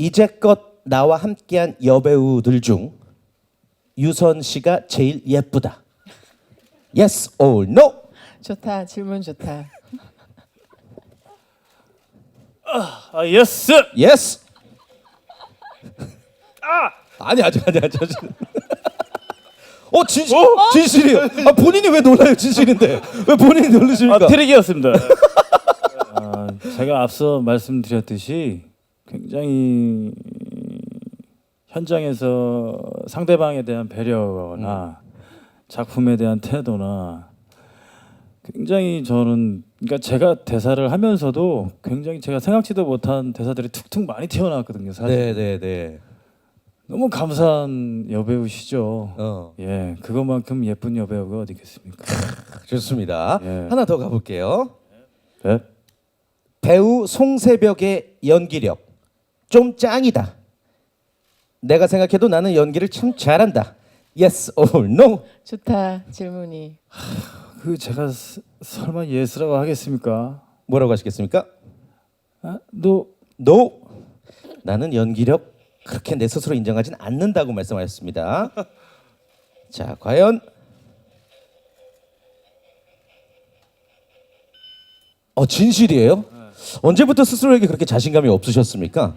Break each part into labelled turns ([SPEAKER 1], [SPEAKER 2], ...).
[SPEAKER 1] 이제껏 나와 함께한 여배우들 중 유선 씨가 제일 예쁘다. Yes or no?
[SPEAKER 2] 좋다. 질문 좋다.
[SPEAKER 3] 예스.
[SPEAKER 1] Yes. 아니. 진실이에요. 본인이 왜 놀라요? 진실인데 왜 본인이 놀라십니까?
[SPEAKER 3] 트릭이었습니다. 제가 앞서 말씀드렸듯이 굉장히 현장에서 상대방에 대한 배려나 작품에 대한 태도나 굉장히 저는 그러니까 제가 대사를 하면서도 굉장히 제가 생각지도 못한 대사들이 툭툭 많이 튀어나왔거든요. 사실
[SPEAKER 1] 네네네.
[SPEAKER 3] 너무 감사한 여배우시죠. 예, 그것만큼 예쁜 여배우가 어디 있겠습니까?
[SPEAKER 1] 좋습니다.
[SPEAKER 3] 예.
[SPEAKER 1] 하나 더 가볼게요.
[SPEAKER 3] 네?
[SPEAKER 1] 배우 송새벽의 연기력 좀 짱이다. 내가 생각해도 나는 연기를 참 잘한다. Yes or no?
[SPEAKER 2] 좋다. 질문이.
[SPEAKER 3] 그 제가 설마 예스라고 하겠습니까?
[SPEAKER 1] 뭐라고 하시겠습니까?
[SPEAKER 3] 너
[SPEAKER 1] No. 나는 연기력 그렇게 내 스스로 인정하진 않는다고 말씀하셨습니다. 자, 과연 진실이에요? 언제부터 스스로에게 그렇게 자신감이 없으셨습니까?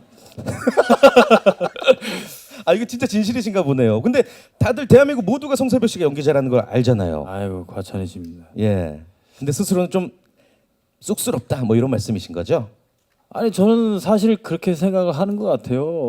[SPEAKER 1] 이거 진짜 진실이신가 보네요. 근데 다들 대한민국 모두가 송새벽 씨가 연기 잘하는 걸 알잖아요.
[SPEAKER 3] 아이고 과찬이십니다.
[SPEAKER 1] 예. 근데 스스로는 좀 쑥스럽다 뭐 이런 말씀이신 거죠?
[SPEAKER 3] 아니 저는 사실 그렇게 생각을 하는 것 같아요.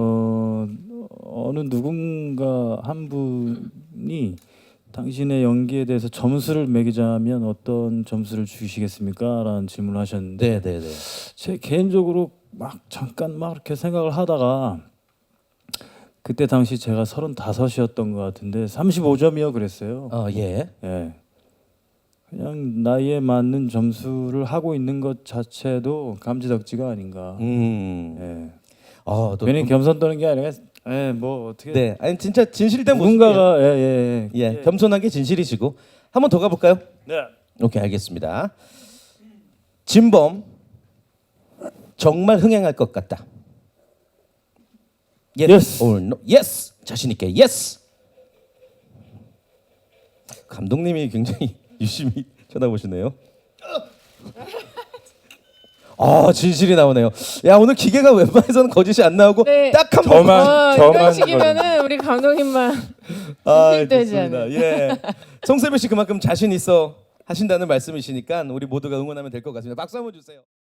[SPEAKER 3] 어느 누군가 한 분이 당신의 연기에 대해서 점수를 매기자면 어떤 점수를 주시겠습니까? 라는 질문을 하셨는데
[SPEAKER 1] 네네네.
[SPEAKER 3] 제 개인적으로 막 잠깐 막 이렇게 생각을 하다가 그때 당시 제가 35이었던 것 같은데 35점이요 그랬어요.
[SPEAKER 1] 예.
[SPEAKER 3] 예. 그냥 나이에 맞는 점수를 하고 있는 것 자체도 감지덕지가 아닌가.
[SPEAKER 1] 네.
[SPEAKER 3] 예. 괜히 겸손 떠는 게 아니라, 뭐 어떻게.
[SPEAKER 1] 네. 아니 진짜 진실된 모습이에요.
[SPEAKER 3] 누군가가
[SPEAKER 1] 예. 겸손한 게 진실이시고 한 번 더 가볼까요?
[SPEAKER 3] 네.
[SPEAKER 1] 오케이 알겠습니다. 진범 정말 흥행할 것 같다.
[SPEAKER 3] Yes.
[SPEAKER 1] or no? Yes. 자신 있게 yes. 감독님이 굉장히 유심히 쳐다보시네요. 진실이 나오네요. 야 오늘 기계가 웬만해서는 거짓이 안 나오고
[SPEAKER 2] 네.
[SPEAKER 1] 딱 한 번만.
[SPEAKER 2] 이런 식이면은 우리 감독님만 진실되지
[SPEAKER 1] 좋습니다.
[SPEAKER 2] 않아요.
[SPEAKER 1] 예. 송세배 씨 그만큼 자신 있어 하신다는 말씀이시니까 우리 모두가 응원하면 될 것 같습니다. 박수 한번 주세요.